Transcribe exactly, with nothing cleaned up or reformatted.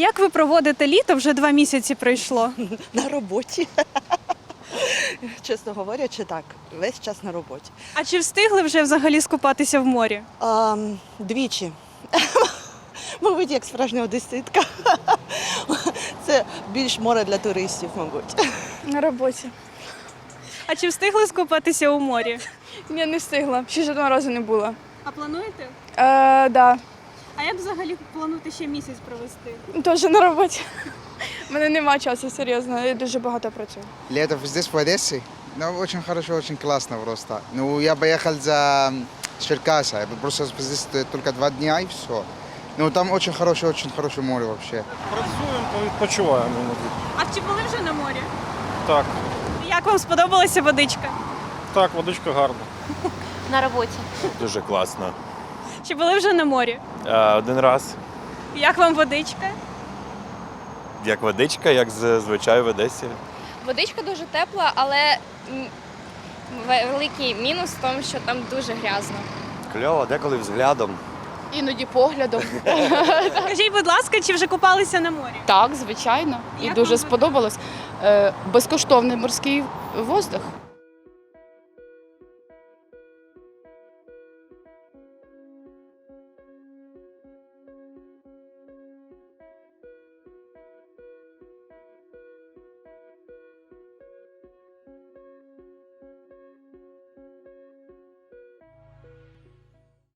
Як ви проводите літо? Вже два місяці пройшло. На роботі. Чесно говорячи, так, весь час на роботі. А чи встигли вже взагалі скупатися в морі? А, двічі. Мабуть, як справжня одеситка. Це більш море для туристів, мабуть. На роботі. А чи встигли скупатися у морі? Ні, не встигла. Ще жодного разу не була. А плануєте? Е, да. А як взагалі плануєте ще місяць провести? Теж на роботі. У мене нема часу, серйозно. Я дуже багато працюю. Лето здесь, в Одессе? Ну, очень хорошо, очень классно просто. Ну, я поехал за м, Черкаса, я просто здесь только два дня и все. Ну, там очень хорошее, очень хорошее море вообще. Працюємо та відпочиваємо іноді. А чи були вже на морі? Так, Як вам сподобалася водичка? так, водичка гарна. На роботі. Дуже класно. Чи були вже на морі? Е, Один раз, Як вам водичка? як водичка, як зазвичай в Одесі. Водичка дуже тепла, але м, великий мінус в тому, що там дуже грязно. Кльово, деколи взглядом. Іноді поглядом. Скажіть, будь ласка, чи вже купалися на морі? Так, звичайно. І Як дуже вам? сподобалось. Е, Безкоштовний морський воздух.